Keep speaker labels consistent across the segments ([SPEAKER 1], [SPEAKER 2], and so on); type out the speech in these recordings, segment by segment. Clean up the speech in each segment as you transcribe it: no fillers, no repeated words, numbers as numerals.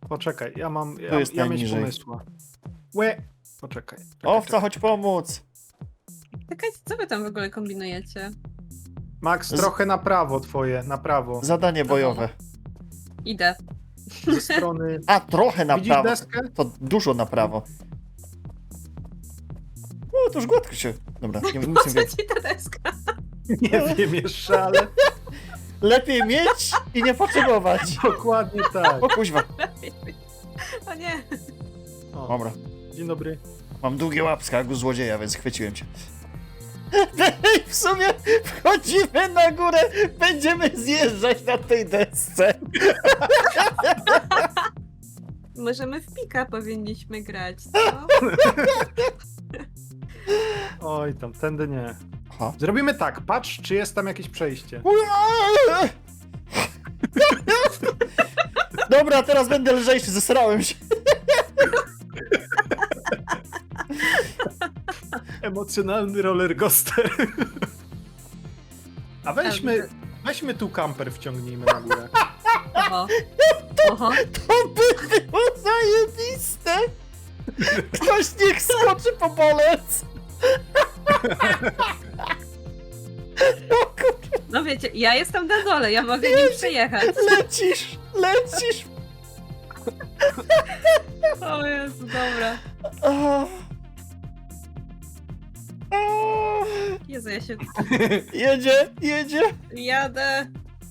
[SPEAKER 1] Poczekaj,
[SPEAKER 2] Tu jest
[SPEAKER 1] ja mieć
[SPEAKER 2] najniżej.
[SPEAKER 1] pomysła. Łe! Poczekaj.
[SPEAKER 2] Owca, chodź pomóc!
[SPEAKER 3] Czekajcie, co wy tam w ogóle kombinujecie?
[SPEAKER 1] Max, trochę na prawo twoje, na prawo.
[SPEAKER 2] Zadanie bojowe.
[SPEAKER 3] Idę.
[SPEAKER 1] Ze strony...
[SPEAKER 2] A, trochę na
[SPEAKER 1] Widzisz
[SPEAKER 2] prawo.
[SPEAKER 1] deskę?
[SPEAKER 2] To dużo na prawo. O, to już gładko się... Dobra, nie
[SPEAKER 3] Po
[SPEAKER 2] nic
[SPEAKER 3] co
[SPEAKER 2] nie wiem.
[SPEAKER 3] ci ta deska?
[SPEAKER 1] Nie wiem jeszcze, ale
[SPEAKER 2] Lepiej mieć i nie potrzebować.
[SPEAKER 1] dokładnie tak.
[SPEAKER 2] O kuźwa.
[SPEAKER 3] O nie.
[SPEAKER 1] O,
[SPEAKER 2] Dobra.
[SPEAKER 1] dzień dobry.
[SPEAKER 2] Mam długie łapska jak u złodzieja, więc chwyciłem cię. Ej, w sumie wchodzimy na górę, będziemy zjeżdżać na tej desce.
[SPEAKER 3] Możemy w pika powinniśmy grać, co?
[SPEAKER 1] Oj, tam, tędy nie.
[SPEAKER 2] Aha.
[SPEAKER 1] Zrobimy tak, patrz, czy jest tam jakieś przejście.
[SPEAKER 2] Dobra, teraz będę lżejszy, zesrałem się.
[SPEAKER 1] Emocjonalny roller coaster. A weźmy tu kamper, wciągnijmy na górę.
[SPEAKER 3] Oho. Oho.
[SPEAKER 2] To by było zajebiste. Ktoś niech skoczy po bolec. O kurczę,
[SPEAKER 3] No wiecie, ja jestem na dole, ja mogę nim przejechać.
[SPEAKER 2] lecisz, lecisz.
[SPEAKER 3] O Jezu, dobra.
[SPEAKER 2] A. A.
[SPEAKER 3] Jezu, ja się
[SPEAKER 2] Jedzie, jedzie.
[SPEAKER 3] jadę.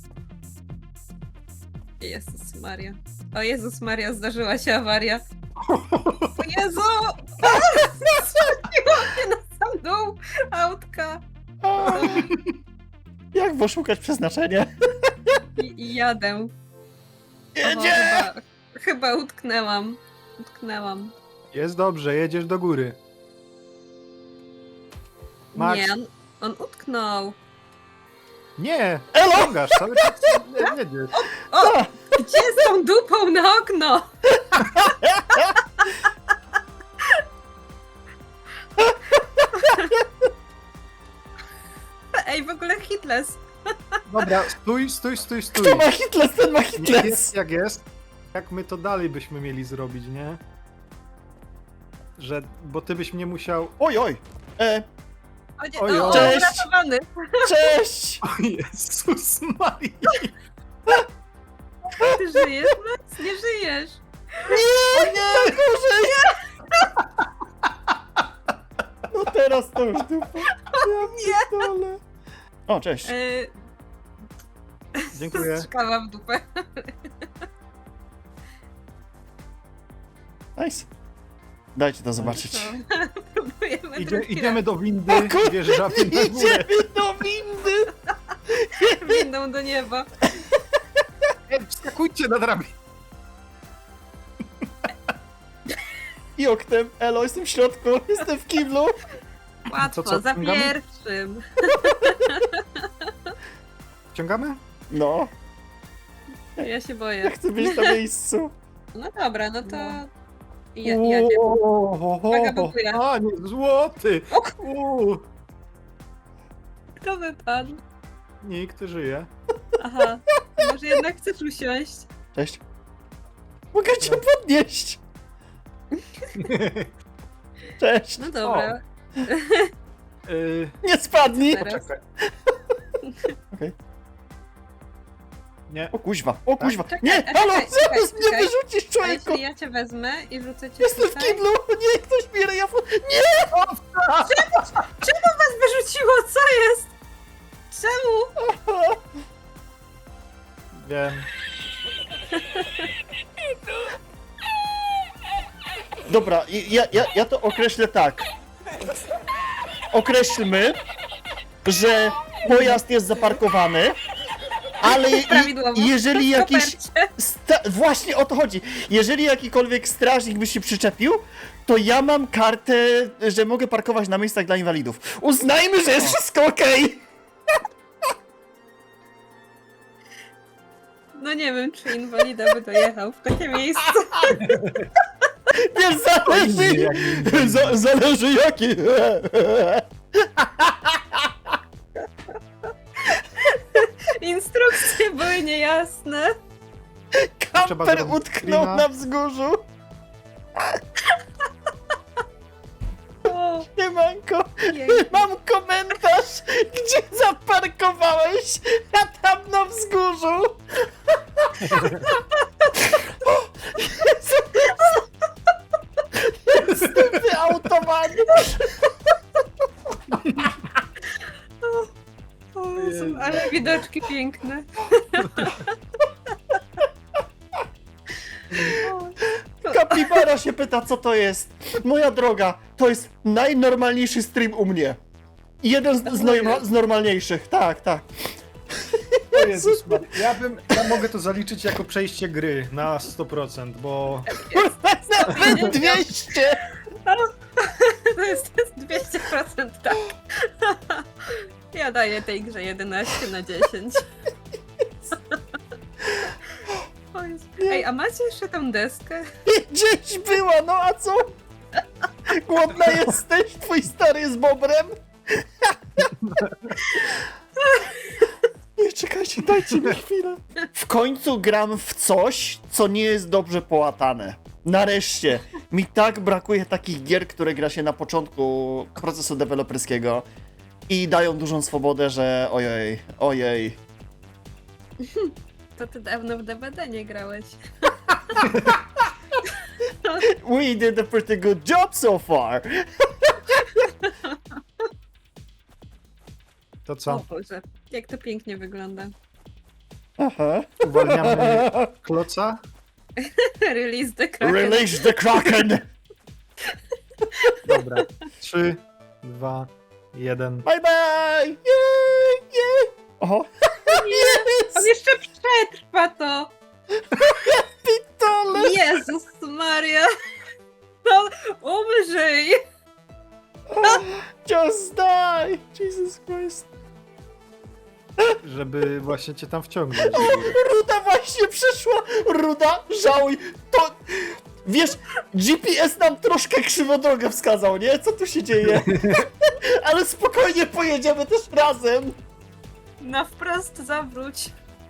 [SPEAKER 3] Jezus Maria. O Jezus Maria, zdarzyła się awaria. O Jezu! Zrzuciło mnie na sam dół autka.
[SPEAKER 2] A. Jak poszukać przeznaczenia?
[SPEAKER 3] I jadę. Oho,
[SPEAKER 2] Jedzie!
[SPEAKER 3] chyba utknęłam. Utknęłam.
[SPEAKER 1] Jest dobrze, jedziesz do góry. Max.
[SPEAKER 3] Nie, on utknął.
[SPEAKER 1] Nie!
[SPEAKER 2] Elo!
[SPEAKER 1] Ciągasz, cały czas jedziesz.
[SPEAKER 3] O! Gdzie z tą dupą na okno? Ej, w ogóle Hitles.
[SPEAKER 1] Dobra, stój.
[SPEAKER 2] Kto ma Hitler, ten ma
[SPEAKER 1] Nie
[SPEAKER 2] Hitler.
[SPEAKER 1] jest jak jest. Jak my to dalej byśmy mieli zrobić, nie? Bo ty byś mnie musiał...
[SPEAKER 2] Oj, oj.
[SPEAKER 3] O nie,
[SPEAKER 1] Oj,
[SPEAKER 3] o,
[SPEAKER 1] oj.
[SPEAKER 2] Cześć.
[SPEAKER 3] uratowany.
[SPEAKER 2] Cześć.
[SPEAKER 1] O Jezus Maria!
[SPEAKER 3] Ty żyjesz, Max? Nie żyjesz.
[SPEAKER 2] Nie, nie, gorzej. No teraz to już dupa. Ja nie. O, cześć.
[SPEAKER 1] Dziękuję.
[SPEAKER 3] Strzykała w dupę.
[SPEAKER 2] Nice. Dajcie to zobaczyć.
[SPEAKER 3] Próbujemy drugi
[SPEAKER 1] Idziemy do windy,
[SPEAKER 2] O kur-
[SPEAKER 1] wjeżdżamy na górę.
[SPEAKER 2] Idziemy do windy.
[SPEAKER 3] raz windą do nieba.
[SPEAKER 1] Ej, wskakujcie na drabinę.
[SPEAKER 2] I oknem. Elo, jestem w środku. Jestem w kiblu.
[SPEAKER 3] Łatwo,
[SPEAKER 1] co,
[SPEAKER 3] za
[SPEAKER 1] wciągamy?
[SPEAKER 3] pierwszym.
[SPEAKER 1] Wciągamy?
[SPEAKER 2] No,
[SPEAKER 3] Ja się
[SPEAKER 2] ja
[SPEAKER 3] boję.
[SPEAKER 2] chcę być na miejscu.
[SPEAKER 3] No dobra, no to... Ja,
[SPEAKER 1] Uuu,
[SPEAKER 3] Uwaga, blokuję.
[SPEAKER 1] Panie złoty!
[SPEAKER 3] O k-
[SPEAKER 1] Uuu,
[SPEAKER 3] Kto wypadł?
[SPEAKER 1] nikt żyje.
[SPEAKER 3] Aha, może jednak chcesz usiąść?
[SPEAKER 2] Cześć. Mogę cię podnieść. Cześć.
[SPEAKER 3] No dobra.
[SPEAKER 2] Nie spadnij.
[SPEAKER 3] Teraz.
[SPEAKER 1] Poczekaj.
[SPEAKER 2] Okej.
[SPEAKER 1] Nie.
[SPEAKER 2] O kuźwa, o kuźwa.
[SPEAKER 3] Czekaj,
[SPEAKER 2] Nie,
[SPEAKER 3] czekaj,
[SPEAKER 2] halo,
[SPEAKER 3] czekaj,
[SPEAKER 2] zaraz mnie
[SPEAKER 3] czekaj.
[SPEAKER 2] wyrzucisz,
[SPEAKER 3] A
[SPEAKER 2] człowieku.
[SPEAKER 3] jeśli ja cię wezmę i wrzucę cię
[SPEAKER 2] Jestem w
[SPEAKER 3] tutaj?
[SPEAKER 2] kiblu. Nie, ktoś mi ryja. Nie.
[SPEAKER 3] Czemu was wyrzuciło? Co jest? Czemu?
[SPEAKER 1] Wiem.
[SPEAKER 2] Dobra, ja to określę tak. Określmy, że pojazd jest zaparkowany, ale
[SPEAKER 3] Prawidłowo.
[SPEAKER 2] jeżeli
[SPEAKER 3] W
[SPEAKER 2] jakiś...
[SPEAKER 3] kopercie.
[SPEAKER 2] Właśnie o to chodzi. Jeżeli jakikolwiek strażnik by się przyczepił, to ja mam kartę, że mogę parkować na miejscach dla inwalidów. Uznajmy, że jest wszystko okej.
[SPEAKER 3] No nie wiem, czy inwalida by dojechał w takie miejsce.
[SPEAKER 2] Wiesz, zależy...
[SPEAKER 1] Inny jak inny.
[SPEAKER 2] Zależy jaki.
[SPEAKER 3] Instrukcje były niejasne.
[SPEAKER 1] Trzeba
[SPEAKER 2] Kamper
[SPEAKER 1] zrobić
[SPEAKER 2] utknął
[SPEAKER 1] screena.
[SPEAKER 2] na wzgórzu.
[SPEAKER 3] O,
[SPEAKER 2] Siemanko,
[SPEAKER 3] jej.
[SPEAKER 2] mam komentarz, gdzie zaparkowałeś, a tam na wzgórzu. O, Jezu. Jest wyautowany.
[SPEAKER 3] O, Jezu, ale widoczki piękne. O,
[SPEAKER 2] Kapibara się pyta, co to jest. Moja droga, to jest najnormalniejszy stream u mnie. Jeden z normalniejszych, tak, tak.
[SPEAKER 1] O Jezus Maria. Ja mogę to zaliczyć jako przejście gry na 100%, bo
[SPEAKER 2] Nawet 200!
[SPEAKER 3] to jest 200% tak. Ja daję tej grze 11 na 10. O Jezu. Ej, a macie jeszcze tą deskę?
[SPEAKER 2] Gdzieś była, no a co? Głodna jesteś? Twój stary jest bobrem? Nie, czekajcie, dajcie mi chwilę. W końcu gram w coś, co nie jest dobrze połatane. Nareszcie. Mi tak brakuje takich gier, które gra się na początku procesu deweloperskiego i dają dużą swobodę, że ojej, ojej.
[SPEAKER 3] To ty dawno w DBD nie grałeś.
[SPEAKER 2] We did a pretty good job so far.
[SPEAKER 1] to
[SPEAKER 3] O
[SPEAKER 1] co?
[SPEAKER 3] Boże, jak to pięknie wygląda.
[SPEAKER 2] Aha.
[SPEAKER 1] Uwalniamy kloca?
[SPEAKER 3] Release the Kraken.
[SPEAKER 2] Release the Kraken!
[SPEAKER 1] Dobra. 3, 2, 1.
[SPEAKER 2] Bye bye! Jej, jej! Oho! Jest!
[SPEAKER 3] On jeszcze przetrwa to!
[SPEAKER 2] Pitole!
[SPEAKER 3] Jezus Maria! No, umrzyj!
[SPEAKER 2] Just die! Jesus Christ!
[SPEAKER 1] Żeby właśnie cię tam wciągnąć.
[SPEAKER 2] Ruda właśnie przyszła! Ruda, żałuj! To... Wiesz, GPS nam troszkę krzywo drogę wskazał, nie? Co tu się dzieje? Ale spokojnie pojedziemy też razem!
[SPEAKER 3] Na wprost zawróć.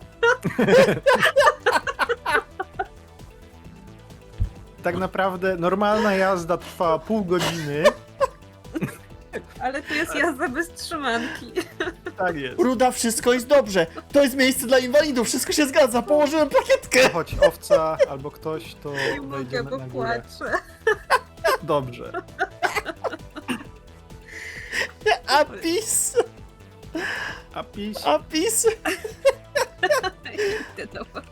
[SPEAKER 1] Tak naprawdę normalna jazda trwa pół godziny.
[SPEAKER 3] Ale tu jest jazda bez trzymanki.
[SPEAKER 1] Tak jest.
[SPEAKER 2] Ruda, wszystko jest dobrze! To jest miejsce dla inwalidów, wszystko się zgadza, położyłem plakietkę!
[SPEAKER 1] Chodź owca albo ktoś, to
[SPEAKER 3] Nie mogę,
[SPEAKER 1] wejdziemy
[SPEAKER 3] bo
[SPEAKER 1] na górę.
[SPEAKER 3] płaczę.
[SPEAKER 1] Dobrze.
[SPEAKER 2] Apis!
[SPEAKER 1] Apis.
[SPEAKER 2] Apis!
[SPEAKER 3] Idę do was.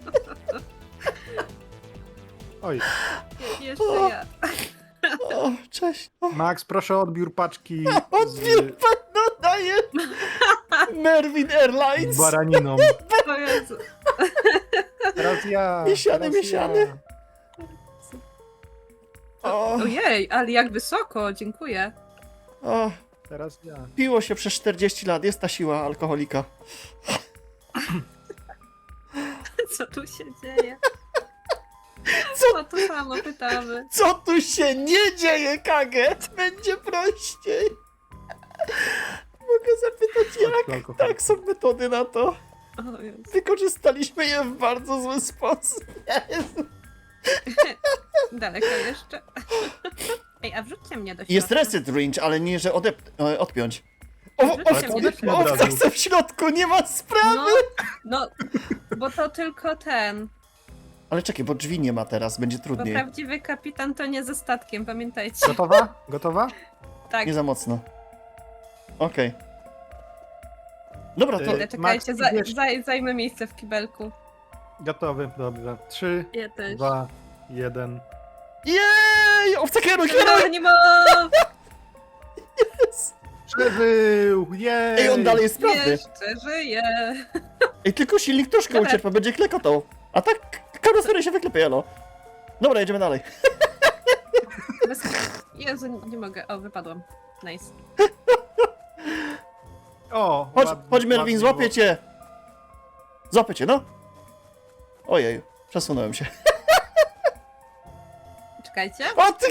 [SPEAKER 1] Oj.
[SPEAKER 3] Jeszcze ja.
[SPEAKER 2] O, cześć! O,
[SPEAKER 1] Max, proszę o odbiór paczki
[SPEAKER 2] odbiór pan daje! Merwin
[SPEAKER 1] z
[SPEAKER 2] Airlines!
[SPEAKER 1] baraniną.
[SPEAKER 3] O Jezu.
[SPEAKER 1] Teraz ja.
[SPEAKER 2] Miesiany,
[SPEAKER 1] teraz
[SPEAKER 2] miesiany.
[SPEAKER 1] ja.
[SPEAKER 2] O,
[SPEAKER 3] Ojej, ale jak wysoko, dziękuję.
[SPEAKER 2] o,
[SPEAKER 1] Teraz ja.
[SPEAKER 2] piło się przez 40 lat, jest ta siła alkoholika.
[SPEAKER 3] Co tu się dzieje?
[SPEAKER 2] Co?
[SPEAKER 3] O to samo pytamy.
[SPEAKER 2] Co tu się nie dzieje, Kaget? Będzie prościej. Mogę zapytać jak?
[SPEAKER 1] Alkohol.
[SPEAKER 2] Tak, są metody na to.
[SPEAKER 3] O Jezu.
[SPEAKER 2] Wykorzystaliśmy je w bardzo zły sposób. Jezu.
[SPEAKER 3] Daleko jeszcze. Ej, a wrzućcie mnie do środka.
[SPEAKER 2] Jest reset range, ale nie, że odpiąć.
[SPEAKER 3] Wrzućcie mnie do
[SPEAKER 1] odepnij
[SPEAKER 3] środka.
[SPEAKER 1] od
[SPEAKER 2] Owca
[SPEAKER 1] razu.
[SPEAKER 2] chce w środku, nie ma sprawy!
[SPEAKER 3] No, bo to tylko ten.
[SPEAKER 2] Ale czekaj, bo drzwi nie ma teraz, będzie
[SPEAKER 3] Bo
[SPEAKER 2] trudniej.
[SPEAKER 3] prawdziwy kapitan to nie ze statkiem, pamiętajcie.
[SPEAKER 1] Gotowa? Gotowa?
[SPEAKER 3] Tak.
[SPEAKER 2] Nie za mocno. Okej. Dobra, to...
[SPEAKER 3] Ale czekajcie,
[SPEAKER 1] Max, idziesz.
[SPEAKER 3] zajmę miejsce w kibelku.
[SPEAKER 1] Gotowy, dobrze. 3,
[SPEAKER 3] Ja też.
[SPEAKER 1] 2, 1.
[SPEAKER 2] Jej! Owca kieruj, kieruj!
[SPEAKER 3] Geronimo!
[SPEAKER 1] Przeżył! Jej!
[SPEAKER 2] Ej, on dalej jest sprawny.
[SPEAKER 3] Jeszcze żyje.
[SPEAKER 2] Ej, tylko silnik troszkę
[SPEAKER 3] Dobra.
[SPEAKER 2] ucierpa, będzie klekotał. A tak karoseria się wyklepie, jalo. Dobra, jedziemy dalej.
[SPEAKER 3] Bez... Jezu, nie mogę. O, wypadłam. Nice.
[SPEAKER 1] O!
[SPEAKER 2] Chodź,
[SPEAKER 1] ładnie,
[SPEAKER 2] chodź Melvin,
[SPEAKER 1] ładnie
[SPEAKER 2] złapię
[SPEAKER 1] było.
[SPEAKER 2] cię. Złapię cię, no. Ojej, przesunąłem się.
[SPEAKER 3] Czekajcie.
[SPEAKER 2] O ty...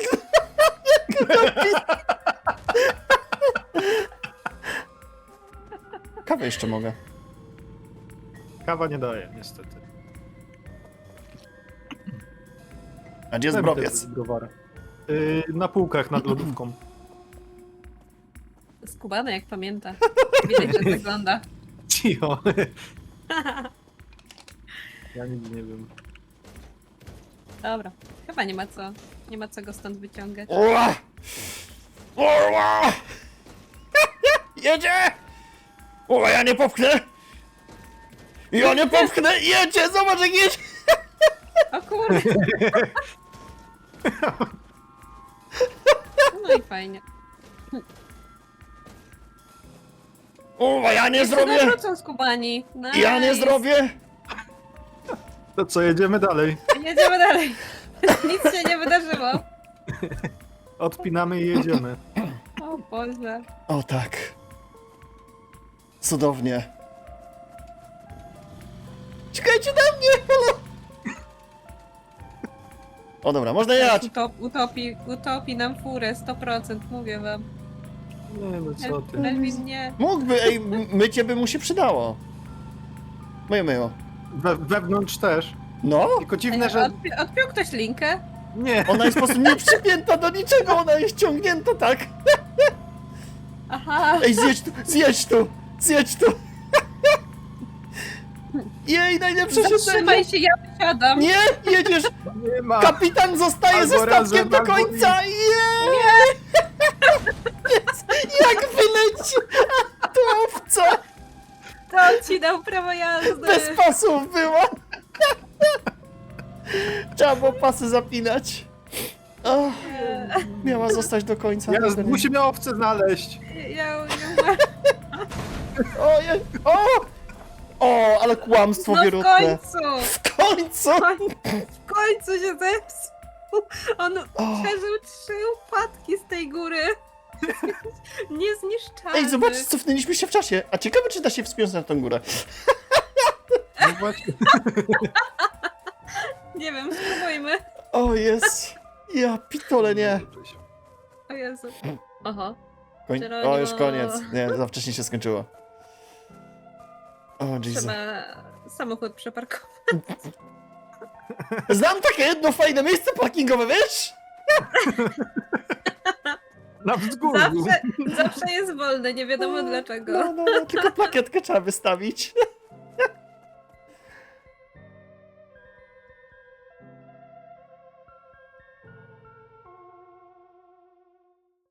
[SPEAKER 2] Kawę jeszcze mogę.
[SPEAKER 1] Kawa nie daje, niestety.
[SPEAKER 2] A gdzie jest
[SPEAKER 1] Daj mi
[SPEAKER 2] browiec?
[SPEAKER 1] tego browara. Na półkach nad lodówką.
[SPEAKER 3] Skubany jak pamięta. Widać, że wygląda.
[SPEAKER 1] Cicho. Ja nic nie wiem.
[SPEAKER 3] Dobra. Chyba nie ma co go stąd wyciągać.
[SPEAKER 2] Ua! Ua! Jedzie! O, ja nie popchnę! Ja nie popchnę! Jedzie! Zobacz jak jedzie!
[SPEAKER 3] O kurde. No i fajnie.
[SPEAKER 2] O, ja nie zrobię!
[SPEAKER 3] Wrócą skubani. Nice.
[SPEAKER 2] Ja nie zrobię!
[SPEAKER 1] To co, jedziemy dalej?
[SPEAKER 3] Jedziemy dalej. Nic się nie wydarzyło.
[SPEAKER 1] Odpinamy i jedziemy.
[SPEAKER 3] O Boże.
[SPEAKER 2] O tak. Cudownie. Czekajcie na mnie! Halo! O dobra, można jechać!
[SPEAKER 3] Utopi nam furę, 100%, mówię wam.
[SPEAKER 1] Nie no co ty.
[SPEAKER 3] Melvin nie.
[SPEAKER 2] Mógłby, ej, mycie by mu się przydało. Myjo.
[SPEAKER 1] Wewnątrz też.
[SPEAKER 2] No,
[SPEAKER 1] Tylko dziwne, że...
[SPEAKER 3] Odpiął ktoś linkę?
[SPEAKER 1] Nie.
[SPEAKER 2] ona jest po prostu nie przypięta do niczego, ona jest ciągnięta tak.
[SPEAKER 3] Aha.
[SPEAKER 2] Ej, zjedź tu, zjedź tu, zjedź tu. Jej, najlepsze siedzenie.
[SPEAKER 3] Zatrzymaj się, ja wysiadam.
[SPEAKER 2] Nie, jedziesz.
[SPEAKER 1] Nie ma.
[SPEAKER 2] Kapitan zostaje
[SPEAKER 1] Albo
[SPEAKER 2] ze statkiem
[SPEAKER 1] razem,
[SPEAKER 2] do
[SPEAKER 1] albo
[SPEAKER 2] końca. Nie. Jak wyleci. To owca.
[SPEAKER 3] To on ci dał prawo jazdy.
[SPEAKER 2] Bez pasów była. Trzeba było pasy zapinać. O, miała zostać do końca.
[SPEAKER 1] Musimy owce znaleźć.
[SPEAKER 3] Ja nie ma.
[SPEAKER 2] Ojej. O, ale kłamstwo
[SPEAKER 3] No w
[SPEAKER 2] wierutne.
[SPEAKER 3] końcu.
[SPEAKER 2] W końcu.
[SPEAKER 3] W końcu się zepsuł. On przeżył 3 upadki z tej góry. Niezniszczalny.
[SPEAKER 2] Ej, zobacz, cofnęliśmy się w czasie. A ciekawe, czy da się wspiąć na tą górę.
[SPEAKER 1] No właśnie.
[SPEAKER 3] Nie wiem, spróbujmy.
[SPEAKER 2] O, jest. Ja pitole, nie.
[SPEAKER 3] O Jezu. Oho.
[SPEAKER 2] O, już koniec. Nie, za wcześnie się skończyło. O, Jesus.
[SPEAKER 3] Trzeba samochód przeparkować.
[SPEAKER 2] Znam takie jedno fajne miejsce parkingowe, wiesz?
[SPEAKER 1] Na wzgórzu.
[SPEAKER 3] Zawsze jest wolne, nie wiadomo dlaczego.
[SPEAKER 2] No, tylko plakietkę trzeba wystawić.